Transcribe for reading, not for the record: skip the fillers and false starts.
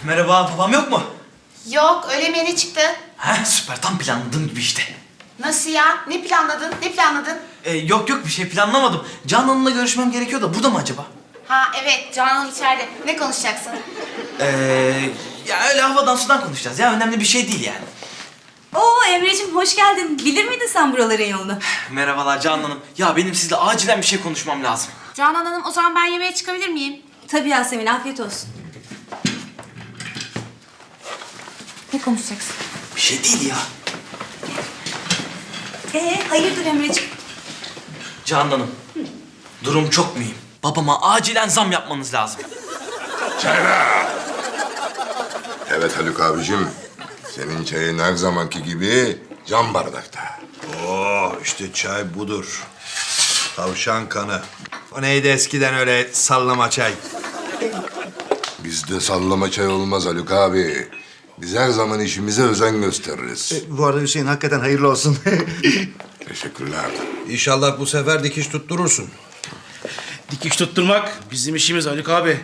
Merhaba, babam yok mu? Yok, öyle mi yeni çıktı? Heh, süper, tam planladığım gibi işte. Nasıl ya? Ne planladın? Ne planladın? Yok bir şey planlamadım. Canan Hanım'la görüşmem gerekiyor da burada mı acaba? Ha evet, Canan içeride. Ne konuşacaksın? Ya öyle havadan sudan konuşacağız ya, önemli bir şey değil yani. Oo Emre'cim hoş geldin. Bilir miydin sen buraların yolunu? Merhabalar Canan Hanım. Ya benim sizle acilen bir şey konuşmam lazım. Canan Hanım, o zaman ben yemeğe çıkabilir miyim? Tabii Yasemin, afiyet olsun. Ne konuşacaksın? Bir şey değil ya. Hayırdır Emre'cim? Canan Hanım, durum çok mühim. Babama acilen zam yapmanız lazım. Evet Haluk abicim. Senin çayın her zamanki gibi cam bardakta. Oh işte çay budur. Tavşan kanı. O neydi eskiden öyle sallama çay? Bizde sallama çay olmaz Haluk abi. Biz her zaman işimize özen gösteririz. Bu arada Hüseyin hakikaten hayırlı olsun. Teşekkürler. İnşallah bu sefer dikiş tutturursun. Dikiş tutturmak bizim işimiz Haluk abi.